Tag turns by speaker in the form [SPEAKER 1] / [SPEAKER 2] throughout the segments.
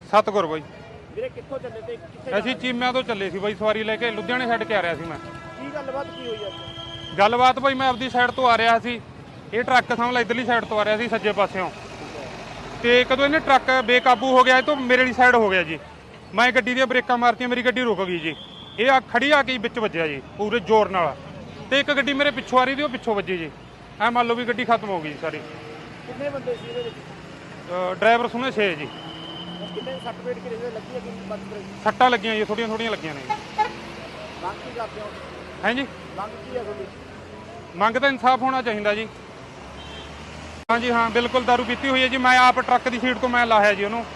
[SPEAKER 1] ਸਤਗੁਰ ਬਾਈ।
[SPEAKER 2] ਵੀਰੇ ਕਿੱਥੋਂ ਚੱਲੇ ਤੇ ਕਿੱਥੇ
[SPEAKER 1] ਅਸੀਂ ਚੀਮਿਆਂ ਤੋਂ ਚੱਲੇ ਸੀ ਬਾਈ, ਸਵਾਰੀ ਲੈ ਕੇ ਲੁਧਿਆਣੇ ਛੱਡ ਕੇ ਆ ਰਿਹਾ ਸੀ ਮੈਂ।
[SPEAKER 2] ਕੀ ਗੱਲਬਾਤ ਕੀ ਹੋਈ ਅੱਜ?
[SPEAKER 1] ਗੱਲਬਾਤ ਬਾਈ, ਮੈਂ ਆਪਦੀ ਸਾਈਡ ਤੋਂ ਆ ਰਿਹਾ ਸੀ, ਇਹ ਟਰੱਕ ਸਾਹਮਣੇ ਇਧਰਲੀ ਸਾਈਡ ਤੋਂ ਆ ਰਿਹਾ ਸੀ ਸੱਜੇ ਪਾਸਿਓਂ, ਤੇ ਕਦੋਂ ਇਹਨੇ ਟਰੱਕ ਬੇਕਾਬੂ ਹੋ ਗਿਆ, ਇਹ ਤੋਂ ਮੇਰੇ ਵਾਲੀ ਸਾਈਡ ਹੋ ਗਿਆ ਜੀ। ਮੈਂ ਗੱਡੀ ਦੀਆਂ ਬ੍ਰੇਕਾਂ ਮਾਰਤੀਆਂ, ਮੇਰੀ ਗੱਡੀ ਰੁਕ ਗਈ ਜੀ। ਇਹ ਆ ਖੜੀ ਆ ਕੇ ਵਿੱਚ ਵੱਜਿਆ ਜੀ ਪੂਰੇ ਜ਼ੋਰ ਨਾਲ, ਤੇ ਇੱਕ ਗੱਡੀ ਮੇਰੇ ਪਿੱਛੋਂ ਆ ਰਹੀ ਸੀ, ਉਹ ਪਿੱਛੋਂ ਵੱਜੀ ਜੀ। ਐ ਮੰਨ ਲਓ ਵੀ ਗੱਡੀ ਖਤਮ ਹੋ ਗਈ ਸਾਰੀ।
[SPEAKER 2] ਕਿੰਨੇ ਬੰਦੇ ਸੀ ਇਹਦੇ ਵਿੱਚ?
[SPEAKER 1] ਡਰਾਈਵਰ ਸੁਣੇ 6 ਜੀ।
[SPEAKER 2] ਕਿੰਨੇ ਸੱਟ ਪੇਟ ਕਿਹਦੇ ਲੱਗੀ ਹੈ? ਕਿੰਨੀ ਬਚ ਗਈ?
[SPEAKER 1] ਸੱਟਾਂ ਲੱਗੀਆਂ ਜੀ, ਥੋੜੀਆਂ ਥੋੜੀਆਂ ਲੱਗੀਆਂ ਨੇ।
[SPEAKER 2] ਮੰਗ ਕੀ ਕਰਦੇ ਹੋ?
[SPEAKER 1] ਹੈ ਜੀ,
[SPEAKER 2] ਮੰਗ ਕੀ ਹੈ ਤੁਹਾਡੀ?
[SPEAKER 1] ਮੰਗ ਤਾਂ ਇਨਸਾਫ ਹੋਣਾ ਚਾਹੀਦਾ ਜੀ। ਹਾਂਜੀ ਹਾਂ, ਬਿਲਕੁਲ ਦਾਰੂ ਪੀਤੀ ਹੋਈ ਹੈ ਜੀ। ਮੈਂ ਆਪ ਟਰੱਕ ਦੀ ਸੀਟ ਤੋਂ ਮੈਂ ਲਾਹਿਆ ਜੀ ਉਹਨੂੰ।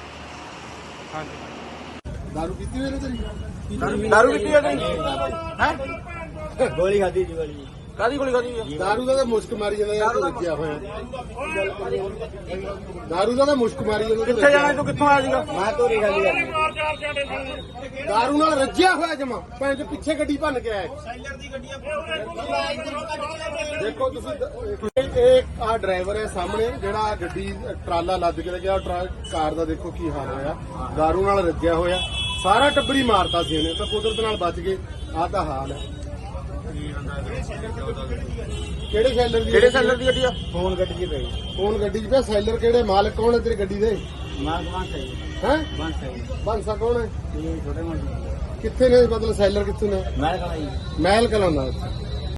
[SPEAKER 1] ਹਾਂਜੀ,
[SPEAKER 3] ਦਾਰੂ ਪੀਤੀ ਹੋਈ ਨੇ ਤੇਰੀ?
[SPEAKER 2] ਦਾਰੂ ਪੀਤੀ ਹੈ ਤੁਸੀਂ? ਹੈ
[SPEAKER 3] ਗੋਲੀ ਖਾਦੀ ਜੀ ਗੋਲੀ।
[SPEAKER 2] ਕਾਦੀ ਗੋਲੀ ਖਾਦੀ?
[SPEAKER 3] ਦਾਰੂ ਦਾ ਤਾਂ ਮੁਸ਼ਕ ਮਾਰੀ ਜਾਂਦਾ ਯਾਰ, ਤੂੰ ਰੱਜਿਆ ਹੋਇਆ। ਦਾਰੂ ਦਾ ਤਾਂ ਮੁਸ਼ਕ ਮਾਰੀ ਜਾਂਦਾ।
[SPEAKER 2] ਕਿੱਥੇ ਜਾਣਾ ਤੂੰ? ਕਿੱਥੋਂ ਆਇਆ ਸੀਗਾ?
[SPEAKER 3] ਮੈਂ ਤੋਰੀ ਖਾਦੀ ਯਾਰ। ਦਾਰੂ ਨਾਲ ਰੱਜਿਆ ਹੋਇਆ ਜਮਾ, ਭੈਣ ਚ ਪਿੱਛੇ ਗੱਡੀ ਭੰਨ ਕੇ ਆਇਆ। ਦੇਖੋ ਤੁਸੀਂ, ਇਹ ਆ ਡਰਾਈਵਰ ਹੈ ਸਾਹਮਣੇ, ਜਿਹੜਾ ਗੱਡੀ ਟਰਾਲਾ ਲੱਦ ਕੇ ਲੈ ਗਿਆ। ਕਾਰ ਦਾ ਦੇਖੋ ਕੀ ਹਾਲ ਹੋਇਆ, ਦਾਰੂ ਨਾਲ ਰੱਜਿਆ ਹੋਇਆ। ਸਾਰਾ ਟੱਬਰੀ ਮਾਰਤਾ ਸੀ ਇਹਨੇ, ਤਾਂ ਕੁਦਰਤ ਨਾਲ ਬਚ ਗਏ। ਆਹ ਤਾਂ ਹਾਲ ਹੈ। ਕਿਹੜੇ ਸੈਲਰ ਦੀ?
[SPEAKER 2] ਕਿਹੜੇ ਸੈਲਰ ਦੀ ਗੱਡੀ ਆ?
[SPEAKER 3] ਫੋਨ ਗੱਡੀ 'ਚ ਪਈ। ਫੋਨ ਗੱਡੀ 'ਚ ਪਿਆ। ਸੈਲਰ ਕਿਹੜੇ? ਮਾਲਕ ਕੌਣ ਹੈ ਤੇਰੀ ਗੱਡੀ ਦੇ?
[SPEAKER 2] ਮਾਲਕ ਬਾਂਸਾ ਜੀ।
[SPEAKER 3] ਹੈ
[SPEAKER 2] ਬਾਂਸਾ ਜੀ।
[SPEAKER 3] ਬਾਂਸਾ ਕੌਣ ਹੈ?
[SPEAKER 2] ਇਹ ਛੋਟੇ ਮੋਟੇ
[SPEAKER 3] ਕਿੱਥੇ ਨੇ? ਮਤਲਬ ਸੈਲਰ ਕਿੱਥੇ ਨੇ?
[SPEAKER 2] ਮੈਂ ਕਹਾਂ ਜੀ
[SPEAKER 3] ਮਹਿਲ ਕਲਾਂ ਦਾ।